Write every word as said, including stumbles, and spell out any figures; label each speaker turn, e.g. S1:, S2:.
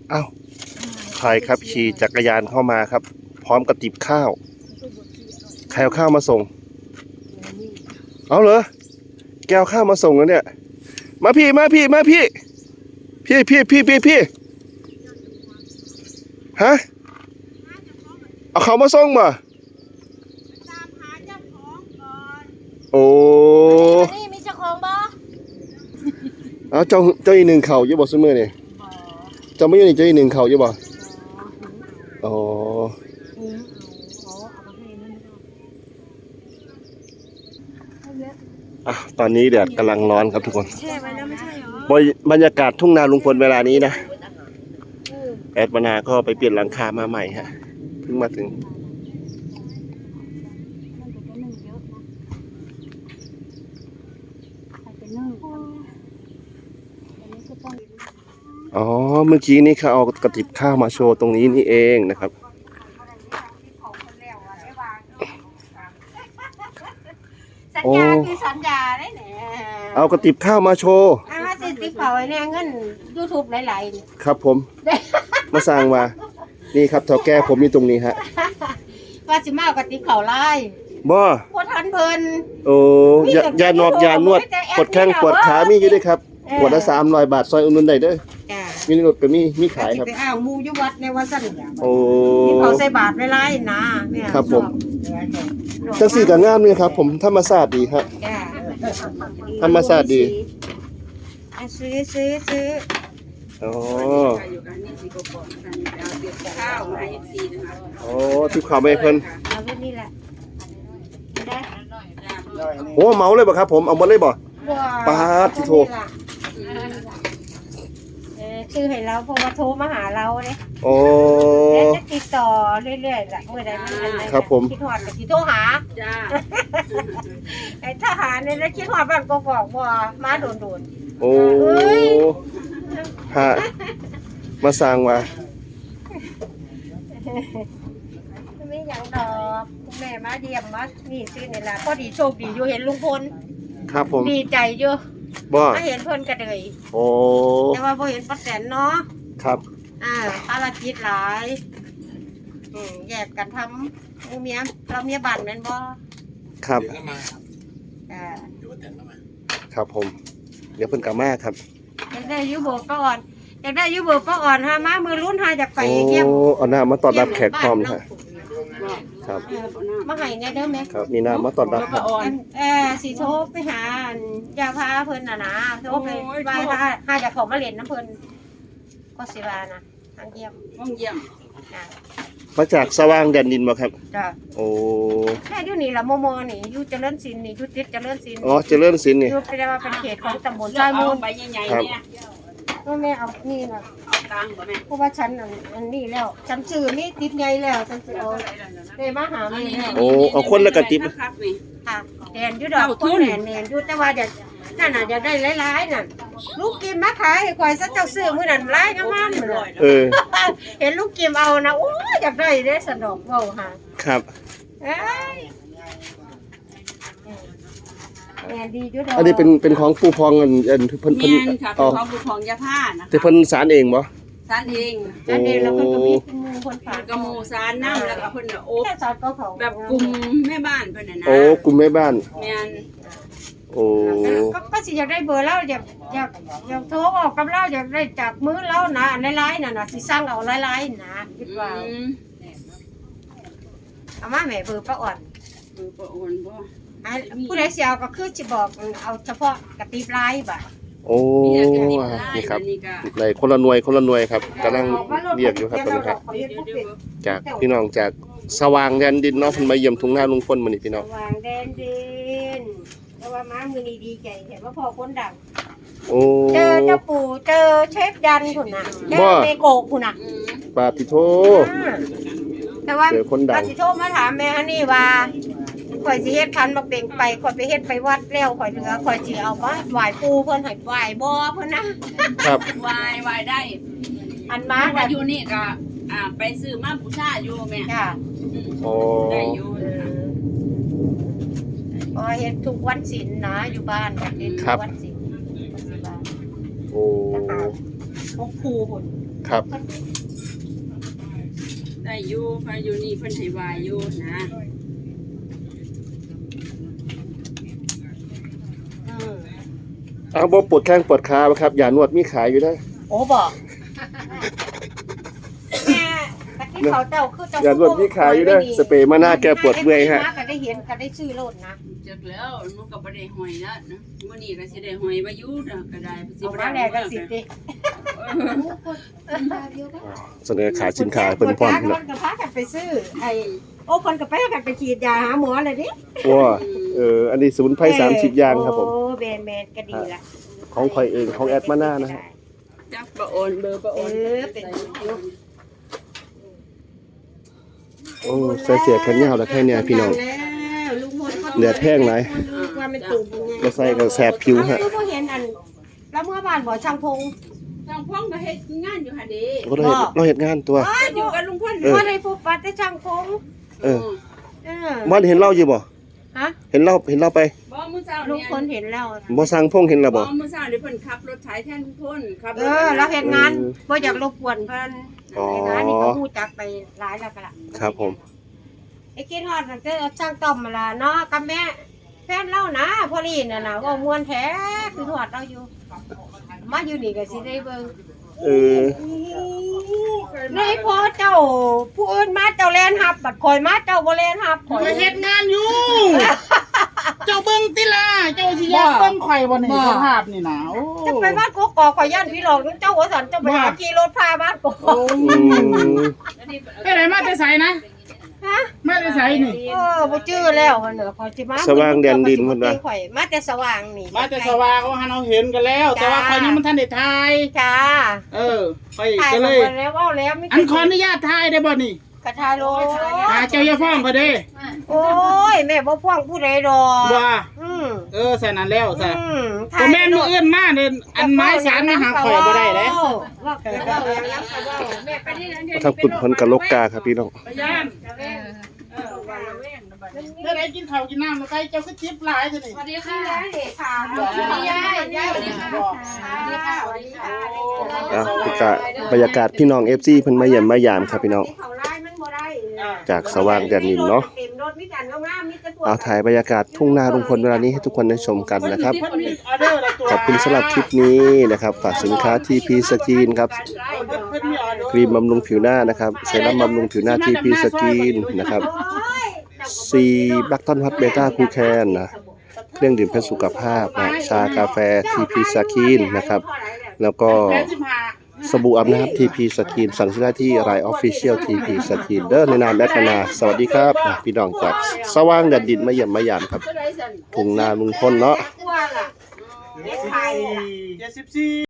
S1: อ้าวใครครับขี่จักรยานเข้ามาครับ พร้อมกับติบข้าวใครเอาข้าวมาส่งเอาเหรอแกเอาข้าวมาส่งแล้วเนี่ยมาพี่มาพี่มาพี่พี่พี่พี่พี่พี่ฮะเอาเขามาส่งมาโอ้
S2: นี่มีเจ้าของบ่
S1: เอาเจ้าเจ้าอีหนึ่งเข่าอยู่บ่ซุมื้อนี่เจ้าไม่อยู่นี่เจ้าอีหนึ่งเข่าอยู่บ่อ๋ออ่ะตอนนี้แดดกำลังร้อนครับทุกคน
S2: แช่ไว้แล้วไม่ใช่หรอบ
S1: รรยากาศทุ่งนาลุงพลเวลานี้นะแอดวนาก็ไปเปลี่ยนหลังคามาใหม่ฮะเพิ่งมาถึงอ๋อเมื่อกี้นี้เขาเอากระติบข้าวมาโชว์ตรงนี้นี่เองนะครับ
S2: สัญญาคือสัญญาได้แหละ
S1: เอากระติบข้าวมาโชว์
S2: อาสิติเผาไอ้เนี่ยเงิน YouTube หลาย
S1: ๆครับผมมาสร้างมานี่ครับเท่าแก่ผมอยู่ตรงนี้ฮะ
S2: ว่าสิมาเอากระติบเผาไล่
S1: บ่
S2: บ่ทันเพิ่น
S1: โอ้ยายานอกยานวดปวดแข้งปวดขามีอยู่ด้วยครับปวดละสามร้อยบาทซอยอุ่นนุนได้เด้อมีรถก็มีมีขายครับ
S2: ไปอ้าวหมู่อยู่วัดในวัดสั่น
S1: โอ้
S2: ที่เขาใส่บาตรไว้หลายนะเนี่ย
S1: ครับผมจังสี่ก็งามนี่ครับผมธรรมชาติดีครับธรรมชาติดี
S2: ซื้อซื้อซื้อ
S1: อ๋อโอ้ที่ข่าวไม่เพิ่น
S2: เอาไว้นี่แหละได้
S1: โอ้เมาเลยบ่ครับผมเอาหมดเลยบ่ปาดที่โทร
S2: ชื่อให้เราเพราะว่าโทรมาหาเราเนี่ย
S1: โอ้
S2: แล้วจะติดต่อเรื่อยๆแหละเมื่อใดมันอะไร
S1: ครับผม
S2: คิดหอดกับที่โทรหาจ้าไอ้ทหารเนี่ยแล้วคิดหอดบ้านกอกๆบ่มาโดน
S1: ๆโอ้ฮะมาสร้างว่า
S2: ไม่อย่างดอกแม่มาเยี่ยมมานี่ซื้อนี่ล่ะพอดีโชคดีอยู่เห็นลุงพล
S1: ครับผม
S2: ดีใจอยู่
S1: บ่
S2: มาเห็นเพิ่นกระเดย
S1: โอ้
S2: แต่ว่าพอเห็นป้าแตนเนาะ
S1: ครับ
S2: อ่าภารกิจหลายอืมแยกกันทำหมู่เมียเราเมียบ้านแม่นบ่
S1: ครับ
S2: อ่า
S1: ครับผมเดี๋ยวเพิ่นกลับมาครับ
S2: อยากได้ยูโบป้าอ่อนอยากได้ยูโบป้าอ่อนฮะมามือรุ่นหาจากไปเยี่ยม
S1: โอ้เอาหน้ามาต้อนรับแขกพร้อมฮะครับ
S2: มาให้ไงเด้อแม่
S1: ครับมีน้ำมาต้อนรับครับ
S2: เออสีโทไปหายาพาเพิ่นน่ะนะโทไปว่าถ้าหาจากเขามาเล่นน้ำเพิ่นก็สิว่านะทางเยี่ยม
S3: ห้องเยี่ยม
S1: มาจากสว่างแดนดินบ่ครับ
S2: จ้ะ
S1: โอ้
S2: แค่อยู่นี่ละโมโมนี่อยู่เจริญศิลป์นี่อยู่ติดเจริญศิลป์
S1: อ๋อเจริญศิลป์นี่
S2: อยู่ไปได้ว่าเป็นเขตของตำบลชายมูล
S3: ใบใหญ่ๆเนี่ย
S2: แม่เอานี่น่ะ
S3: เอาตังค์บ่แม่
S2: เพราะว่าฉันอันนี้แล้วฉันซื้อนี่ติดใหญ่แล้วฉันสิเอาได้มาหาแม่แล้ว
S1: โอ้เอาคนละกระติบ
S2: ค่ะแดนอยู่ดอกคนแดนแดนอยู่แต่ว่าเดี๋ยวนั่นน่ะอยากได้หลายๆนั่นลูกกิมมาขายให้ข่อยซะเจ้าซื้อมื้อนั้นหลายงามๆเลย
S1: เออ
S2: เห็นลูกกิมเอานะโอ้ยอยากได้เด้สะดอกเว้าหา
S1: ครับ
S2: เอ้ยแม่ดีอยู่ดอก
S1: อันนี้เป็นเป็นของปู่พองอันอันเพิ่นเพิ่น
S3: อ๋อของปู่พองยาผ้านะคะ
S1: แต่เพิ่นสารเองบ่
S3: สารเอง
S2: สารเองแล้วเพิ่นก็มีหมู่คนฝาก
S3: กระหมู่สารน้ำแล้วก็เพิ่นโอ๊บ
S2: สารก็เขา
S3: แบบกลุ่มแม่บ้านเพิ่นน่ะนะ
S1: โอ้กลุ่มแม่บ้าน
S3: แม่น
S1: โอ้
S2: ก็สิอยากได้เบอร์เราอยากอยากอยากโทรออกกับเราอยากได้จากมือเรานะอันหลายๆน่ะน่ะสิสั่งเอาหลายๆนะคิดว่าเอามาแม่เบอร์ป้าอ่อน
S3: เบอร์ป้าอ่อนบ่
S2: ผู้ใดสิเอาก็คือสิบอกเอาเฉพาะกระติบลายบ่
S1: โอ้นี่ครับในคนละหน่วยคนละหน่วยครับกำลังเรียกอยู่ครับตอนนี้ครับจากพี่น้องจากสว่างแดนดินเนาะเพิ่นมาเยี่ยมทุ่งนาลุงพลมื้อนี้พี่น้อง
S2: สว่างแดนดินแต่ว่ามามื้อนี้ดีใจเห็นว่าพ่อคนดัง
S1: โอ้
S2: เจอเจ้าปู่เจอเชฟยันพุ่นน่ะเจอเมโกะพุ่นน่ะ
S1: ปาติโท
S2: แต่ว่าปาติโทมาถามแม่ฮันนี่ว่าข่อยสิเฮ็ดคันบักเบ่งไปข่อยไปเฮ็ดไปวัดแล้วข่อยเหลือข่อยสิเอามาไหว้ปู่เพิ่นให้ไหว้บ่เพิ่นนะครับ
S3: ไหว้ไหว้ได้
S2: อันมา
S3: ว่าอยู่นี่ก็อ่าไปซื้อมาบูชาอยู่แม่
S2: จ้ะ
S1: โอ้
S3: ได้อยู่
S2: อ๋อเฮ็ดทุกวันศีลนะอยู่บ้านเฮ็ดทุกวันศีล
S1: โอ้
S2: หกคู่พุ่น
S1: ครับ
S3: ได้อยู่พาอยู่นี่เพิ่นให้วายอยู่นะ
S2: อืม
S1: เอาบ่ปวดแข้งปวดขาบ่ครับยานวดมีขายอยู่ได้
S2: โอ้บอกแม่กะที่เขาเจ้าคือเจ้าย
S1: านวดมีขายอยู่ได้สเปรย์มาหน้าแก้ปวดเมื่อยฮะ
S2: ก็ได้เห็นก็ได้ซื้อโลดนะ
S3: จักแล้วหนูก็บ่ได้หอยแล้วนะมื้อนี้ก็สิได้หอยมาอยู่นะก็ได้สิ
S2: เอา
S3: บ่
S2: มา
S3: ได้
S2: แลกกันสิดิ
S1: เสนอขายสินค้าเพิ่นพร้อม
S2: พี่
S1: พี่
S2: น้
S1: น้
S2: อ
S1: อง ง
S2: ก็พากันไปซื้อไอ้โอ้คนก็ไปกันไปฉีดยาหาหมอเลยดิ
S1: ว้าเอออันนี้สมุนไพรสามสิบอย่างครับผม
S2: โอ้แมนแมนก็ดีละ
S1: ของข่อยเองของแอดมาหน้านะฮะ
S3: จักบ่โอนเบอร์บ่โอน
S2: เออเป็นยุค
S1: โอ้ใส่เสียแขนยาวแล้วแค่เนี้ยพี่น้อง
S2: แล้วลุงพลขา
S1: เดือดแห้งไหน
S2: ว่ามันตุ่มยังไง
S1: ก็ใส่ก็แสบผิวฮะ
S2: คือบ่เห็นอันแล้วเมื่อบ้านบ่ช่างพง
S3: ทางพ่องก็เฮ็ดงานอยู่หั่นเด้
S1: ก็เราเห็นเราเห็นงานตัว
S2: อ้าย
S3: อยู่กับลุงพล
S1: เออ
S2: บ่ได้พบปัดได้ช่างพง
S1: เออ
S2: เออ
S1: บ้านเห็นเราอยู่บ่
S2: ฮะ
S1: เห็นเราเห็นเราไป
S3: บ่มื้อเช้า
S2: ลุง
S3: เนี่ย
S2: พลเห็นแล้ว
S1: บ่สั่งพงเห็นเรา
S3: บ่
S1: บ่
S3: มื้อเช้านี่เพิ่นขับรถไถแทนลุงพลขับร
S2: เอ
S3: ถ
S2: อเราเห็นงานบ่อยากรบกวนเพิ่น
S1: อ๋อ
S2: ไอ้งานนี่ก็ฮู้จักไปหลายแล้วก็ล่ะ
S1: ครับผม
S2: ไอ้กินฮอดนั่นก็ช่างต้อมมาล่ะเนาะกับแม่แฟนเรานะพอลีน่ะนะเว่าม่วนแท้คือฮอดเราอยู่ มาอยู่นี่ก็สิได้เบิ่ง
S1: เออ
S2: นี่พอเจ้าผู้อื่นมาเจ้าแลนฮับบัดคอยมาเจ้าบ่แลนฮับข่อย
S4: ไปเฮ็ดงานอยู่ เจ้าเบิ่งติล่ะเจ้าสิอยากเบิ่งข่อยบ่นี่สภาพนี่นะโอ้
S2: จะไปบ้านกกอกข่อยย่านพี่หลอกเจ้าหัวสันเจ้าไปหาขี่รถพาบ้านกกอก
S1: อืม
S4: ไปไหนมาแต่ไสนะ
S2: ฮะ
S4: มาแต่ไสนี่
S2: เออบ่จื้อแล้วหั่นเด้อข่อยสิมา
S1: สว่างแดนดินเพิ่นว่า
S2: ข่อยมาแต่สว่างนี่
S4: มาแต่สว่างว่าหันเอาเห็นกันแล้ว แต่ว่าข่อยยังบ่ทันได้ถ่าย
S2: จ้า
S4: เออข่อย
S2: ถ่าย
S4: ก็
S2: มา
S4: เลย
S2: แล้วเว้าแล้วไม่
S4: อันขออนุญาตถ่ายได้บ่นี่
S2: กระทายโล
S4: อ่าเจ้าอย่าฟ้องเขาเด้
S2: โอ้ยแม่บ่ฟ้องผู้ใดดอก
S4: ว่า
S2: อืม
S4: เออใส่นั้นแล้วใส่
S2: อืม
S4: บ่แม่นมื้ออื่นมาเด้ออันไม้สารมาหาข่อยบ่ได้เด้
S2: ว่าไปเว้าอย่างนั้นก็เว้าแม่ไปนี่นั่น
S1: ทางกุดเพิ่นกะลกกาครับพี่น้อง
S4: พยานเออว่าละเว้นเด้อได้กินข้าวกินน้ำแล้วไปเจ้าก็จิบหลายซะนี่
S2: สวัสดีค่ะค่ะสวัสดียายยายสวัสดีค่ะสวัสดีค่ะ
S1: อ่ะบรรยากาศบรรยากาศพี่น้อง เอฟ ซี เพิ่นมาเยี่ยมมายามครับพี่น้อง จากสว่างแดนดินเนาะ เอาถ่ายบรรยากาศทุ่งนาลุงพลเวลานี้ให้ทุกคนได้ชมกันนะครับ
S4: เพิ่นมีออเดอร์ละตัว
S1: ขอบคุณสำหรับคลิปนี้นะครับ ฝากสินค้า ที พี Skin ครับ
S4: เพิ่นมีออเดอร์
S1: ครีมบำรุงผิวหน้านะครับ เซรั่มบำรุงผิวหน้า ที พี Skin นะครับ C บัคทอนฮอตเบต้าคูแคนนะ เครื่องดื่มเพื่อสุขภาพนะชากาแฟ ที พี Skin นะครับ แล้วก็
S4: แปดสิบห้า
S1: สบู่อาบน้ำ ที พี Skin สั่งซื้อได้ที่ ไลน์ Official ที พี Skin เด้อในนามแอดคณาสวัสดีครับอ่ะพี่น้องจากสว่างแดนดินมาเยี่ยมมายามครับทุ่งนาลุงพลเนาะ
S2: กลัวล่ะ
S4: เจ็ดสิบสี่